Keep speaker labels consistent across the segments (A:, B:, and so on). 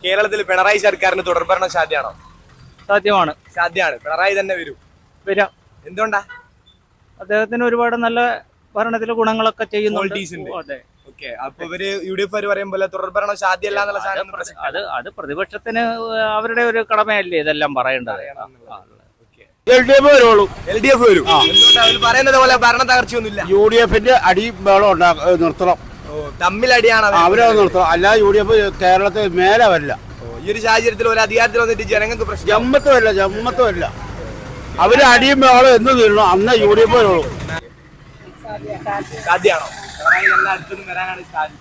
A: കേരളത്തിൽ പിണറായി സർക്കാരിന് തുടർഭരണം സാധ്യമാണോ?
B: സാധ്യമാണ്.
A: പിണറായി തന്നെ
B: വരാം.
A: എന്തുകൊണ്ടാ?
B: അദ്ദേഹത്തിന് ഒരുപാട് നല്ല ഭരണത്തിലെ ഗുണങ്ങളൊക്കെ ചെയ്യുന്നുണ്ട്. അതെ.
A: അപ്പൊ ഇവര് UDF പറയുമ്പോൾ തുടർഭരണം സാധ്യമല്ല എന്നുള്ള സാധനം
B: അത് പ്രതിപക്ഷത്തിന് അവരുടെ ഒരു കടമയല്ലേ ഇതെല്ലാം പറയേണ്ടത്.
C: LDF വരുള്ളൂ.
A: LDF വരും. പറയുന്നത് പോലെ ഭരണ തകർച്ചയൊന്നുമില്ല.
C: UDFന്റെ അടി വേളം നിർത്തണം.
A: തമ്മിലടിയാണ്
C: അവരെ നിർത്തണം. അല്ല UDF കേരളത്തിൽ മേലെ വരില്ല.
A: ഈ ഒരു സാഹചര്യത്തിൽ ഒരു അധികാരത്തിൽ വന്നിട്ട് ജനങ്ങൾക്ക് പ്രശ്നം
C: ജമ്മത്തുമല്ല അവര് അടിയും വേളം എന്ന് തീരണം. അന്ന് UDF വരുള്ളൂ.
A: സാധ്യമാണോ? വരാനാണ് സാധ്യത.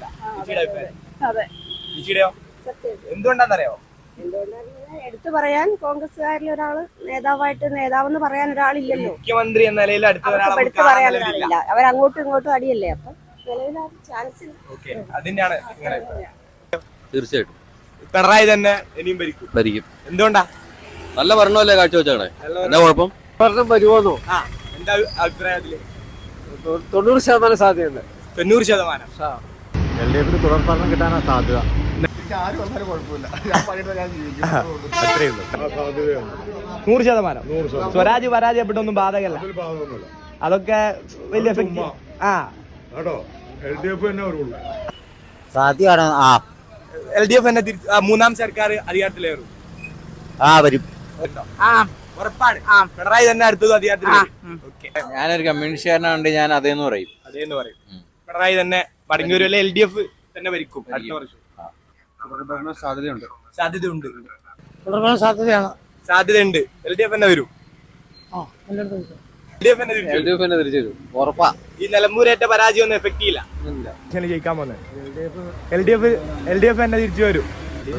A: എന്തുകൊണ്ടാന്നറിയോ?
D: എടുത്തു പറയാൻ കോൺഗ്രസ്സുകാരിൽ ഒരാള് നേതാവെന്ന് പറയാൻ ഒരാളില്ലല്ലോ.
A: മുഖ്യമന്ത്രി എന്ന നിലയിൽ
D: എടുത്തു പറയാൻ ഒരാളില്ല. അവരങ്ങോട്ടും ഇങ്ങോട്ടും അടിയല്ലേ. അപ്പൊ ചാൻസ്
A: അതിന്റെയാണ്.
E: തീർച്ചയായിട്ടും
A: പിണറായി തന്നെ ഇനിയും ഭരിക്കും. എന്തുകൊണ്ടാ?
E: നല്ല ഭരണമല്ലേ കാഴ്ചവെച്ചാണ്. എന്താ കുഴപ്പം?
C: ഭരണം വരുമോന്നോ?
A: എന്താ അഭിപ്രായത്തില്?
C: 90% സാധ്യതയുണ്ട്.
A: 90%.
F: LDF തുടർഭരണം കിട്ടാനാ സാധ്യത.
A: ആര് വന്നാലും കുഴപ്പമില്ല. 100%. സ്വരാജ് പരാജയപ്പെട്ടൊന്നും ബാധകല്ല. അതൊക്കെ വലിയ എഫക്ട്.
F: സാധ്യമാണ്.
A: LDF തന്നെ മൂന്നാം സർക്കാർ അധികാരത്തിലേറും.
F: വരും.
A: ഉറപ്പാണ്. പിണറായി തന്നെ അടുത്തത് അധികാരത്തിൽ.
E: ഞാനൊരു കമ്മ്യൂണിസ്റ്റുകാരനാണ്ട് ഞാൻ അതേന്ന് പറയും.
A: പിണറായി തന്നെ മടങ്ങി വരുമല്ലേ? LDF തന്നെ ഭരിക്കും അടുത്ത വർഷം.
E: സാധ്യതയുണ്ട്.
A: സാധ്യതയുണ്ട്. LDF തന്നെ വരും.
E: LDF തന്നെ തിരിച്ചു വരും. ഉറപ്പാ.
A: ഈ നിലമ്പൂരേറ്റ പരാജയം ഒന്നും എഫക്ട് ചെയ്യില്ല. ജയിക്കാൻ പോകുന്നത് LDF തന്നെ തിരിച്ചു വരും.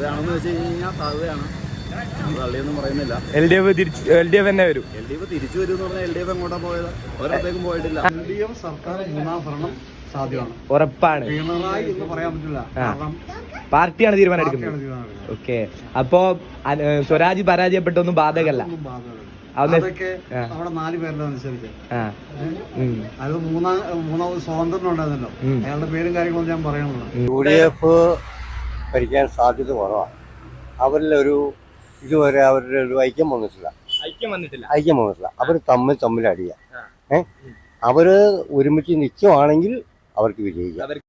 A: LDF തന്നെ വരും.
F: തിരിച്ചു വരും. LDF എങ്ങോട്ടാ പോയത്? ഒരിടത്തേക്കും പോയിട്ടില്ല. LDF സർക്കാർ മൂന്നാം ഭരണം സാധ്യമാണ്.
A: ഉറപ്പാണ്.
F: പിണറായി എന്ന് പറയാൻ പറ്റില്ല.
A: പാർട്ടിയാണ് തീരുമാനം എടുക്കുന്നത്. ഓക്കെ. അപ്പോ സ്വരാജ് പരാജയപ്പെട്ടൊന്നും ബാധകല്ല.
F: അതൊക്കെ അവിടെ 4 പേരുടെ അനുസരിച്ച് അത് മൂന്നാമത് സ്വാതന്ത്ര്യം ഉണ്ടായിരുന്നല്ലോ. അയാളുടെ പേരും കാര്യങ്ങളൊന്നും ഞാൻ പറയണല്ലോ.
G: UDF ഭരിക്കാൻ സാധ്യത കുറവാണ്. ഇതുവരെ അവരുടെ ഒരു ഐക്യം വന്നിട്ടില്ല. അവർ തമ്മിൽ അടിയാ. അവര് ഒരുമിച്ച് നിൽക്കുവാണെങ്കിൽ അവർക്ക് വിജയിക്കാം.